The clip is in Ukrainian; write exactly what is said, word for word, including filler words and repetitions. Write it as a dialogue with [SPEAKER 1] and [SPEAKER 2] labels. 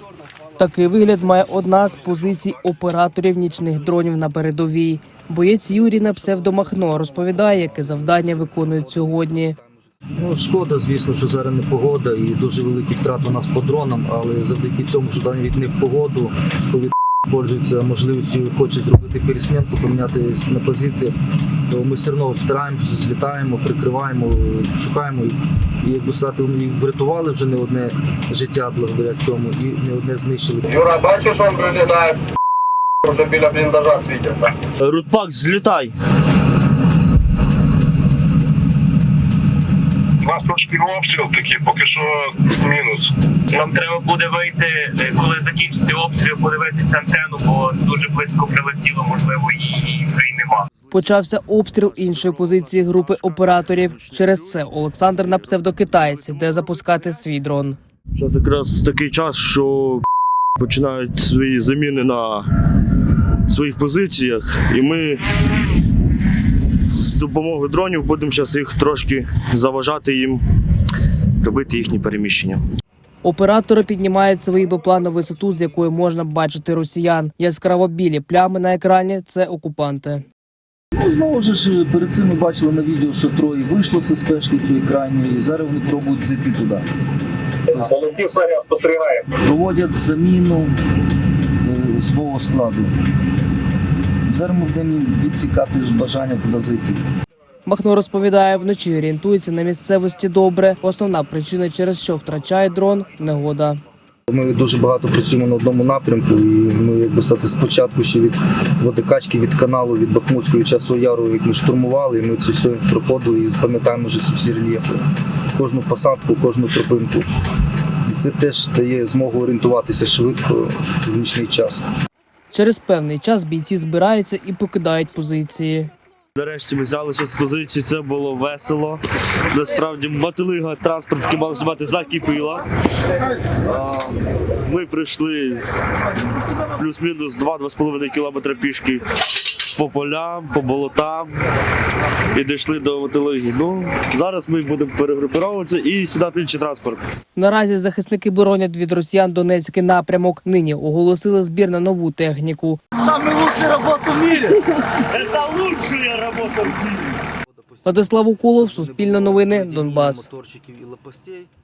[SPEAKER 1] Такий вигляд має одна з позицій операторів нічних дронів на передовій. Боєць Юрій на псевдо Махно розповідає, яке завдання виконують сьогодні.
[SPEAKER 2] Ну, шкода, звісно, що зараз не погода і дуже великі втрати у нас по дронам, але завдяки цьому, що там від не в погоду, коли пользуються можливістю, хоче зробити пересменку, помінятися на позиціях, то ми все одно стараємося, злітаємо, прикриваємо, шукаємо. І, якби сказати, врятували вже не одне життя благодаря цьому і не одне знищили.
[SPEAKER 3] Юра, бачиш, він вилітає, вже біля бліндажа світиться.
[SPEAKER 4] Рудпак, злітай!
[SPEAKER 5] У нас трошки обстріл такий, поки що мінус.
[SPEAKER 6] Нам треба буде вийти, коли закінчиться обстріл, подивитися антенну, бо дуже близько прилетіло, можливо, її вже й нема.
[SPEAKER 1] Почався обстріл іншої позиції групи операторів. Через це Олександр на псевдо Китаєць йде запускати свій дрон.
[SPEAKER 4] Зараз якраз такий час, що починають свої заміни на своїх позиціях, і ми з допомогою дронів будемо зараз їх трошки заважати їм робити їхні переміщення.
[SPEAKER 1] Оператори піднімають свої БПЛА на висоту, з якої можна бачити росіян. Яскраво білі плями на екрані – це окупанти.
[SPEAKER 2] Ну, знову ж, перед цим ми бачили на відео, що троє вийшло з спешки цієї крайньої, і зараз вони пробують зайти туди.
[SPEAKER 3] Полетів снаряд, спостерігає.
[SPEAKER 2] Проводять заміну е, свого складу. Зараз ми будемо відсікати бажання туди зайти.
[SPEAKER 1] Махно розповідає, вночі орієнтується на місцевості добре. Основна причина, через що втрачає дрон – негода.
[SPEAKER 2] Ми дуже багато працюємо на одному напрямку, і ми, якби сказати, спочатку ще від водокачки, від каналу, від Бахмутського, від Часового Яру, як ми штурмували, і ми це все проходили і пам'ятаємо вже ці всі рельєфи. Кожну посадку, кожну тропинку. І це теж дає змогу орієнтуватися швидко в нічний час.
[SPEAKER 1] Через певний час бійці збираються і покидають позиції.
[SPEAKER 4] Нарешті ми взялися з позиції, це було весело. Насправді мотилига транспортки мала знімати закипіла. Ми прийшли плюс-мінус два-два з половиною кілометри пішки по полям, по болотам і дійшли до мотилиги. Ну, зараз ми будемо перегрупуватися і сідати інший транспорт.
[SPEAKER 1] Наразі захисники боронять від росіян Донецький напрямок. Нині оголосили збір на нову техніку.
[SPEAKER 4] Самая лучшая робота в мире! Это лучшая робота в мире!
[SPEAKER 1] Владислав Уколов, Суспільне новини, Донбас.